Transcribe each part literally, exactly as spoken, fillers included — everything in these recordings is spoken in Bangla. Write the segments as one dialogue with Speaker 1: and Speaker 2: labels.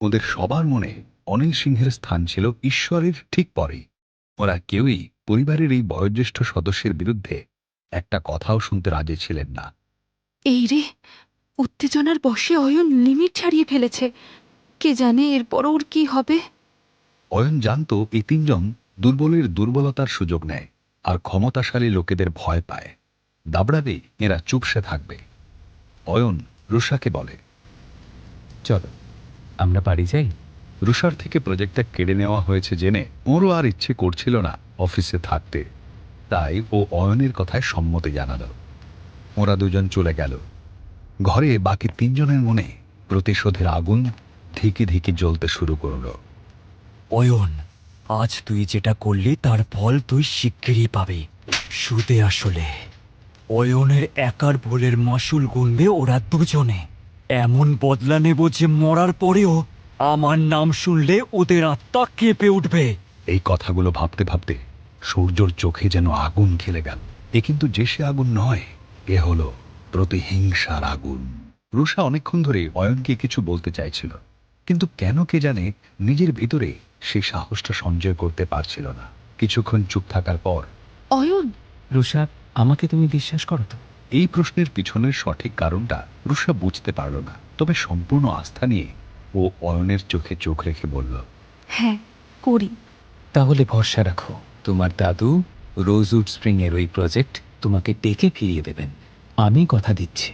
Speaker 1: ওদের সবার মনে অনিল সিংহের স্থান ছিল ঈশ্বরের ঠিক পরেই। ওরা কেউই পরিবারের এই বয়োজ্যেষ্ঠ সদস্যের বিরুদ্ধে একটা কথাও শুনতে রাজি ছিলেন না।
Speaker 2: এই রে, উত্তেজনার বশে অয়ন লিমিট ছাড়িয়ে ফেলেছে। কে জানে এরপর ওর কি হবে।
Speaker 1: অয়ন জানত এই তিনজন দুর্বলের দুর্বলতার সুযোগ নেয় আর ক্ষমতাশালী লোকেদের ভয় পায়। দাবড়াবে এরা চুপসে থাকবে। অয়ন রুষাকে বলে,
Speaker 3: চলো আমরা বাড়ি যাই।
Speaker 1: রুষার থেকে প্রজেক্টটা কেড়ে নেওয়া হয়েছে জেনে ওরও আর ইচ্ছে করছিল না অফিসে থাকতে, তাই ও অয়নের কথায় সম্মতি জানাল। ওরা দুজন চলে গেল। ঘরে বাকি তিনজনের মনে প্রতিশোধের আগুন ধিকি ধিকি জ্বলতে শুরু করলো।
Speaker 4: অয়ন, আজ তুই যেটা করলি তার ফল তুই শিগগিরই পাবি। সুদে আসলে অয়নের একার ভুলের মাসুল গুনবে ওরা দুজনে। এমন বদলা নেব যে মরার পরেও আমার নাম শুনলে ওদের আত্মা কেঁপে উঠবে।
Speaker 1: এই কথাগুলো ভাবতে ভাবতে সূর্যর চোখে যেন আগুন খেলে গেল। এ কিন্তু যে সে আগুন নয়, এ হলো প্রতিহিংসার আগুন। রুষা অনেকক্ষণ ধরে অয়নকে কিছু বলতে চাইছিল, কিন্তু কেন কে জানে নিজের ভিতরে সেই সাহসটা সঞ্চয় করতে পারছিল না। কিছুক্ষণ চুপ থাকার পর,
Speaker 2: অয়ন,
Speaker 3: রুষা, আমাকে তুমি বিশ্বাস করো তো?
Speaker 1: এই প্রশ্নের পিছনের সঠিক কারণটা রুষা বুঝতে পারল না, তবে সম্পূর্ণ আস্থা নিয়ে ও অয়নের চোখে চোখ রেখে বলল,
Speaker 2: হ্যাঁ করি।
Speaker 3: তাহলে ভরসা রাখো, তোমার দাদু রোজউড স্প্রিং এর ওই প্রজেক্ট তোমাকে ডেকে ফিরিয়ে দেবেন, আমি কথা দিচ্ছি।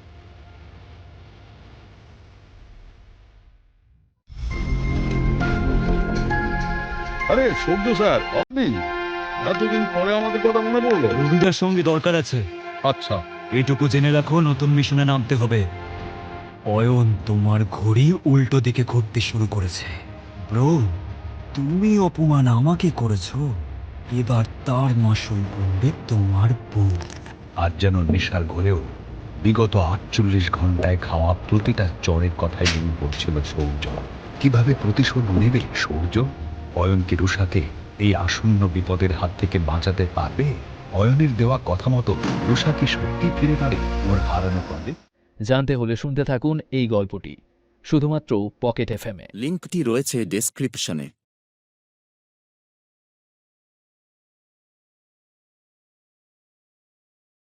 Speaker 5: আরে সৌদ্য স্যার, আপনি এতদিন পরে আমাদের কথা মনে পড়লো?
Speaker 4: রবিদার সঙ্গে দরকার আছে।
Speaker 5: আচ্ছা।
Speaker 4: এইটুকু জেনে রাখো, নতুন মিশনে নামতে হবে। অয়ন, তোমার ঘড়ি উল্টো দিকে ঘুরতে শুরু করেছে। ব্রো, তুমি অপমান আমাকে করেছো, এবার তার মাসুল গুনবে তোমার বউ।
Speaker 1: আজ যেন নেশার ঘরেও বিগত আটচল্লিশ ঘন্টায় খাওয়া প্রতিটা চরের কথাই মনে পড়ছিল সৌর্য। কিভাবে প্রতিশোধ নেবে সৌর্য? অয়ন কি রুষাকে এই আসন্ন বিপদের হাত থেকে বাঁচাতে পারবে? অয়নের দেওয়া কথা মতো রুষা কি সত্যি ফিরে পাবে ওর হারানো পদে?
Speaker 6: জানতে হলে শুনতে থাকুন এই গল্পটি শুধুমাত্র পকেট এফএমে।
Speaker 7: লিঙ্কটি রয়েছে ডেসক্রিপশনে।